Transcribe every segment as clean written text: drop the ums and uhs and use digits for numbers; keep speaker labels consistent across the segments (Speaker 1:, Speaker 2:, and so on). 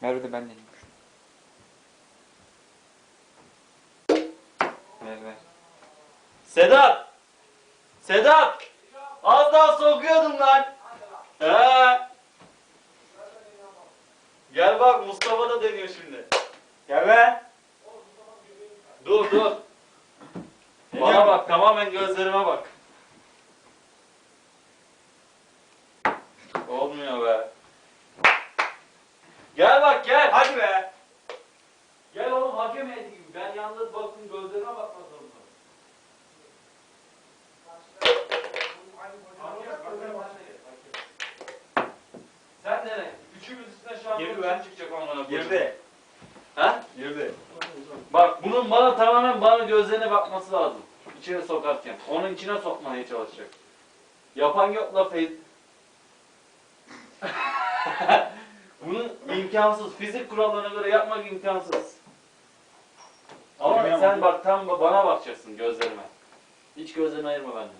Speaker 1: Merve de ben deneyim. Ver.
Speaker 2: Sedat! Sedat! Az daha sokuyordum lan. He. Gel bak Mustafa da deniyor şimdi. Gel be. Dur. Bana bak, tamamen gözlerime bak. Olmuyor be. Gel bak gel. Hadi be. Gel oğlum, hakem heyeti gibi. Ben yalnız bakın, gözlerime bakmak zorunda. Sen dene. Üçümüz üstüne şu an
Speaker 1: Girdi
Speaker 2: bir
Speaker 1: be.
Speaker 2: şey çıkacak onlara.
Speaker 1: Girdi.
Speaker 2: Ha?
Speaker 1: Girdi.
Speaker 2: Bak bunun tamamen gözlerine bakması lazım. İçine sokarken. Onun içine sokmaya çalışacak. Yapan yok la Feyz. Bunun imkansız. Fizik kurallarına göre yapmak imkansız. Ama
Speaker 1: Girmiyor
Speaker 2: sen
Speaker 1: mu?
Speaker 2: bak tam bana bakacaksın, gözlerime. Hiç gözlerini ayırma benden.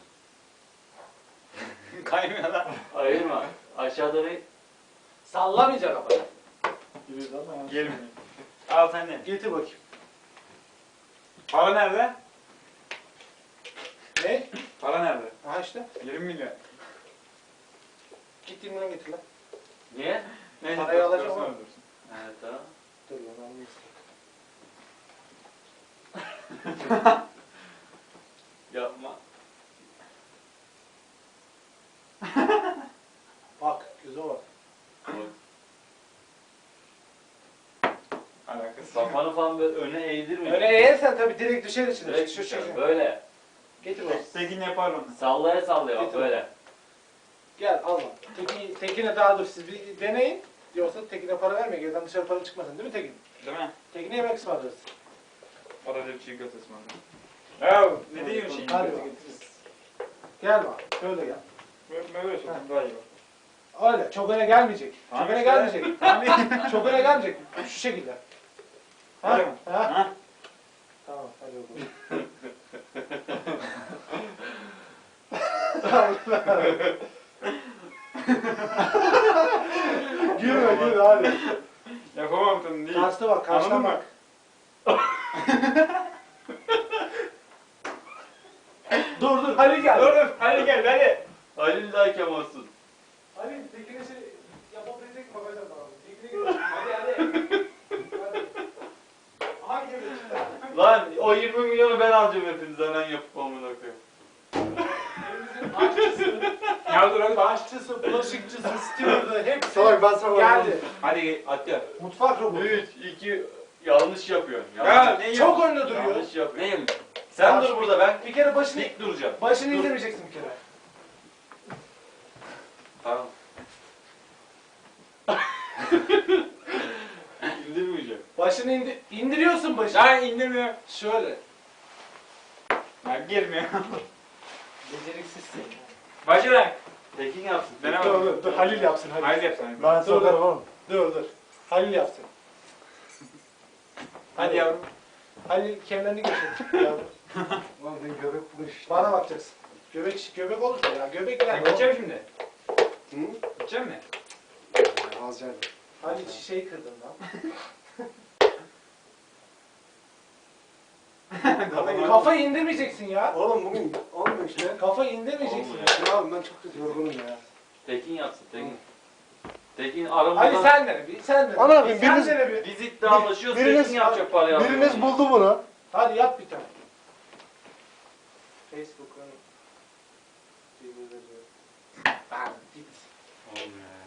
Speaker 1: Kaymıyor lan.
Speaker 2: Ayırma. Aşağıda bir
Speaker 3: Sallamayacak ama.
Speaker 1: Gelmiyor. Al sen de.
Speaker 3: Getir bakayım.
Speaker 1: Para nerede?
Speaker 3: Ne?
Speaker 1: Para nerede?
Speaker 3: Aha işte.
Speaker 1: 20 milyon.
Speaker 3: Git 20 milyon getir lan.
Speaker 2: niye?
Speaker 1: Neyse,
Speaker 3: Parayı alacağım
Speaker 1: dursun,
Speaker 3: ama.
Speaker 1: dursun.
Speaker 2: Evet tamam.
Speaker 3: Dur lan anlayayım.
Speaker 2: Yapma.
Speaker 3: Bak göze bak.
Speaker 1: Alakası yok.
Speaker 2: Kafanı falan böyle öne eğdirme.
Speaker 3: Öyle eğersen tabii direkt düşer içine.
Speaker 2: Direkt
Speaker 3: Şu
Speaker 2: düşer,
Speaker 3: şey.
Speaker 2: böyle.
Speaker 3: Getir bak.
Speaker 1: Tekin yapar onu.
Speaker 2: Sallaya bak
Speaker 3: Getir.
Speaker 2: böyle.
Speaker 3: Gel al lan. Tekin'e daha dur siz bir deneyin. Yoksa Tekin'e para verme. Geriden dışarı para çıkmasın değil mi Tekin?
Speaker 1: Değil mi?
Speaker 3: Tekin'e yemek ısmarlarız.
Speaker 1: O da bir çiğ köfte ısmarladı. Ya ne diyorsun şimdi?
Speaker 3: Hadi bak. Gel bak. Şöyle gel.
Speaker 1: Böyle sokayım daha iyi bak.
Speaker 3: Öyle. Çok öne gelmeyecek.
Speaker 1: Tamam
Speaker 3: Çok öne
Speaker 1: işte.
Speaker 3: gelmeyecek. Çok öne gelmeyecek. Şu şekilde. Ha?
Speaker 1: Öyle mi?
Speaker 3: Ha?
Speaker 1: Ha?
Speaker 3: Tamam. Hadi bakalım. Gülme hadi.
Speaker 1: Yapamam tabii değil.
Speaker 3: Karşıda bak, karşıdan
Speaker 1: Anladın
Speaker 3: bak. Dur Halil gel.
Speaker 1: Dur hadi gel hadi.
Speaker 2: Halil de hakem olsun.
Speaker 3: Halil Tekin'e şey yapabilecek mi bakacağım bana. Tekin'e gel. Hadi. Hangi bir
Speaker 2: Lan o 20 milyonu ben alacağım hepinizden, ben yapıp amına koyayım.
Speaker 3: Elimizin aşçısı,
Speaker 1: Ya dur hadi.
Speaker 3: aşçısı, bulaşıkçısı, stewardı hepsi
Speaker 4: Salak ben sana
Speaker 3: geldi.
Speaker 1: Hadi at ya.
Speaker 3: Mutfak robotu.
Speaker 2: 3, 2, yanlış yapıyorsun.
Speaker 1: Ya ne
Speaker 3: Çok önde duruyor.
Speaker 2: Yanlış yapıyorsun.
Speaker 1: Neyim?
Speaker 2: Sen dur burada, ben
Speaker 3: Bir kere başını
Speaker 2: dik duracağım.
Speaker 3: başını
Speaker 2: Dur.
Speaker 3: indirmeyeceksin bir kere.
Speaker 2: Tamam. İndirmeyeceğim.
Speaker 3: Başını indiriyorsun başını.
Speaker 1: Lan indirmiyor.
Speaker 3: Şöyle.
Speaker 1: Ya girmiyor.
Speaker 3: Beceriksizsin.
Speaker 1: Başla.
Speaker 2: Tekin yapsın.
Speaker 1: Dene
Speaker 3: Dur
Speaker 1: bakalım.
Speaker 3: dur dur Halil yapsın Halil.
Speaker 1: Haydi yap sen.
Speaker 4: Ben
Speaker 3: Dur,
Speaker 4: sokarım
Speaker 3: dur.
Speaker 4: oğlum.
Speaker 3: Dur. Halil yapsın.
Speaker 1: Hadi yavrum.
Speaker 3: Halil kemerini geçir. Yavrum.
Speaker 4: Lan senin göbek buluş.
Speaker 3: Bana bakacaksın. Göbek olursa ya. Göbek
Speaker 1: Sen
Speaker 3: yani.
Speaker 1: geçeceğim şimdi.
Speaker 4: Hı?
Speaker 1: Geçeceğim mi?
Speaker 4: Az geldi.
Speaker 3: Halil şişeyi kırdın lan. Kafayı indirmeyeceksin ya.
Speaker 4: Oğlum bugün olmuyor işte.
Speaker 3: Kafayı indirmeyeceksin
Speaker 2: Olmuyor.
Speaker 3: ya.
Speaker 4: Ya abi ben çok kötü yorgunum ya.
Speaker 2: Tekin yapsın, Tekin. Tekin aramızda...
Speaker 3: Hadi sen dene bir. Sen dene.
Speaker 4: Ana abi,
Speaker 3: Sen
Speaker 4: biriniz-
Speaker 3: dene bir.
Speaker 2: Biz iddialaşıyoruz,
Speaker 4: Biriniz-
Speaker 2: Tekin yapacak parayı alıyor.
Speaker 4: Biriniz buldu bunu.
Speaker 3: Hadi yap bir tane. Facebook'un Ben git.
Speaker 2: Olmuyor ya.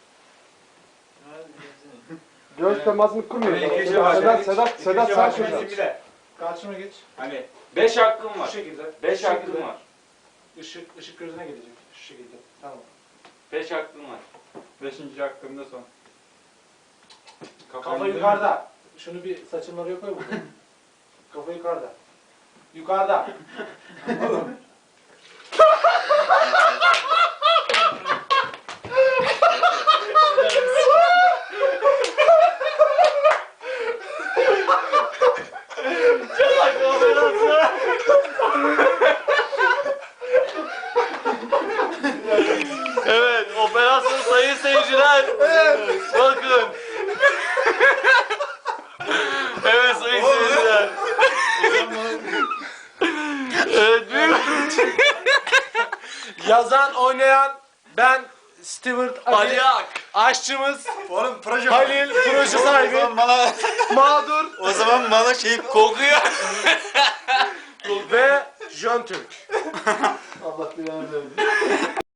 Speaker 4: Göz temasını kurmuyor.
Speaker 1: Hadi ikinci başla.
Speaker 4: Sedat sen
Speaker 1: başla.
Speaker 4: şurada.
Speaker 1: Bir de.
Speaker 3: Karşıma geç.
Speaker 1: Hadi.
Speaker 2: 5 hakkım
Speaker 3: Şu
Speaker 2: var.
Speaker 3: şekilde.
Speaker 2: 5
Speaker 3: Şu
Speaker 2: hakkım
Speaker 3: şekilde.
Speaker 2: var.
Speaker 3: Işık gözüne gelecek. Şu şekilde. Tamam.
Speaker 2: 5 hakkım var.
Speaker 1: 5. hakkımda son.
Speaker 3: Kafa yukarıda. Şunu bir saçın oraya koy burada. Kafa yukarıda. Yukarıda.
Speaker 2: Evet, operasyon sayın seyirciler. Bakın.
Speaker 3: Yazan, oynayan ben Stewart Ali,
Speaker 2: Ali Ak.
Speaker 3: aşçımız
Speaker 5: Oğlum proje
Speaker 3: Halil, proje sahibi,
Speaker 5: bana
Speaker 3: mağdur
Speaker 5: o zaman bana şey
Speaker 2: Kokuyor.
Speaker 3: ve Jön Türk.
Speaker 4: Allah bilir.